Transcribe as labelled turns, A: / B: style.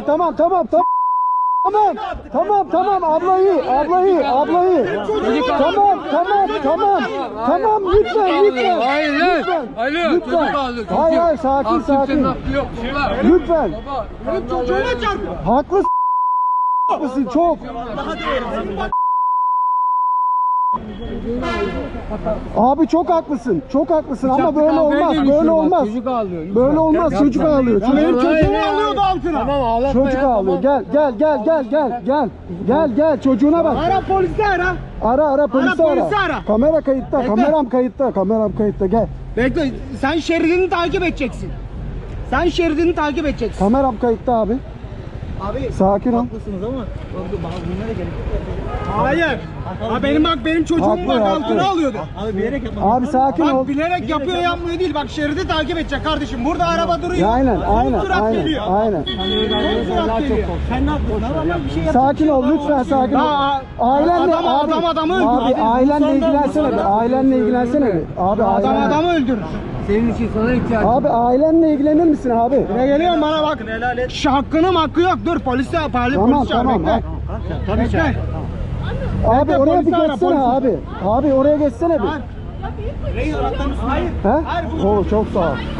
A: tamam tamam tamam. Tamam, tamam, tamam, ablayı. Tamam, lütfen.
B: Hayır,
A: lütfen. Hayır, sakin. Lütfen. Haklısın çok. Abi çok haklısın ama böyle olmaz. Böyle olmaz, çocuk ağlıyor.
B: Benim çocuğumu alıyordu altına. Tamam, ağlatma.
A: Çocuk ağlıyor. Gel çocuğuna bak.
B: Ara polisi ara.
A: Ara polisi
B: polisi
A: ara.
B: ara.
A: Kamera kayıtta. Kameram kayıtta. Gel.
B: Bekle, sen şeridini takip edeceksin.
A: Kameram kayıtta abi.
B: Abi
A: Sakin ol.
B: haklısınız ama bunlara gerek yok. Hayır. Benim çocuğum
A: Haklı.
B: altına alıyordu. Abi bilerek yapmadı.
A: Abi sakin ol.
B: Bak bilerek yapıyor yapmıyor değil. Bak şeridi takip edecek kardeşim. Burada araba duruyor.
A: Aynen.
B: Son sürat geliyor.
A: Aynen.
B: Sen ne yaptın? Bir şey
A: Sakin ol lütfen sakin ol. Ailenle
B: adamı öldürür.
A: Abi ailenle ilgilensene bir. Abi
B: Adamı öldürür.
C: Senin için sana ihtiyacım.
A: Abi ailenle ilgilenir misin abi?
B: Ne geliyor bana bak. Hakkı yok. Dur polis çağır.
A: Tamam.
B: Bekle.
A: Abi
B: Bekle,
A: oraya bir
B: polisi ara,
A: geçsene
B: polisi.
A: abi. Abi oraya geçsene bir.
B: Hayır.
A: He? Oo çok sağ ol.